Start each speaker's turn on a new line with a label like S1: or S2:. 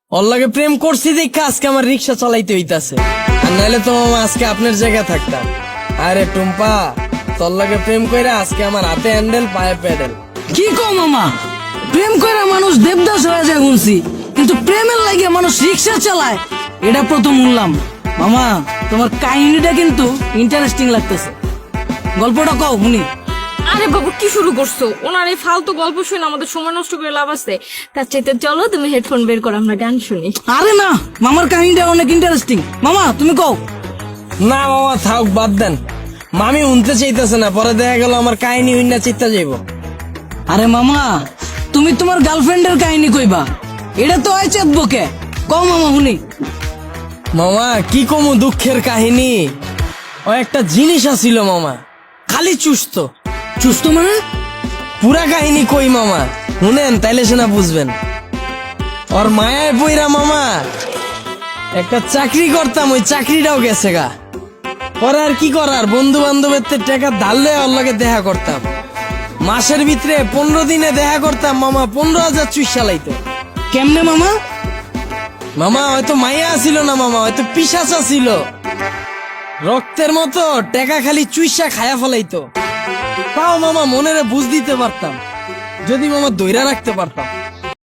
S1: ওর লাগে প্রেম করছি দেখে আজকে আমার রিক্সা চালাইতে হইতাছে, আর নাইলে তো মামা আজকে আপনার জায়গায় থাকতাম। আরে টুম্পা, তোর লাগে প্রেম কইরা আজকে আমার হাতে হ্যান্ডেল পায়ে প্যাডেল।
S2: কি কও মামা, প্রেম করে মানুষ দেবদাস হয়ে যায় শুনছি, কিন্তু প্রেমের লাগে মানুষ রিক্সা চালায় এটা প্রথম শুনলাম। মামা তোমার কাহিনীটা কিন্তু ইন্টারেস্টিং লাগতেছে, গল্পটা কও শুনি।
S3: আরে বাবু কি শুরু করছো? ওনার এই ফালতু গল্প শুনে আমাদের সময় নষ্ট করে লাভ আছে। তার চাইতে চলো তুমি হেডফোন বের করো, আমরা গান শুনি।
S2: আরে না, মামার কাহিনীটা অনেক ইন্টারেস্টিং, মামা তুমি কও।
S1: না মামা থাক, বাদ দেন। মামি উনতে চাইতেছে না, পরে দেখা গেল আমার কাহিনী উন্না চিত্তা যাইব।
S2: আরে মামা তুমি তোমার গার্লফ্রেন্ডের কাহিনী কইবা, এটা তো হয় চেতবকে, কও মামা শুনি।
S1: মামা কি কমু দুঃখের কাহিনী। ও একটা জিনিস আছিল মামা, খালি চুস্ত।
S2: সুস্থ মানে?
S1: পুরা কাহিনী কই মামা, শুনেন তাইলে সেনা বুঝবেন। ওর মায়ায় পইরা মামা একটা চাকরি করতাম, ওই চাকরিটাও গেছে গা। পরে আর কি করার, বন্ধু বান্ধবের টাকা ধারলে ওর লগে দেখা করতাম। মাসের ভিতরে 15 দিনে দেখা করতাম মামা, 15,000 চুইসা লাইতো।
S2: কেমনে মামা?
S1: মামা হয়তো মাইয়া আসিল না মামা, হয়তো পিশাচা ছিল। রক্তের মতো টাকা খালি চুইসা খায়া ফেলাইতো। তাও মামা মনেরে বুঝ দিতে পারতাম, যদি মামা দইরা রাখতে পারতাম।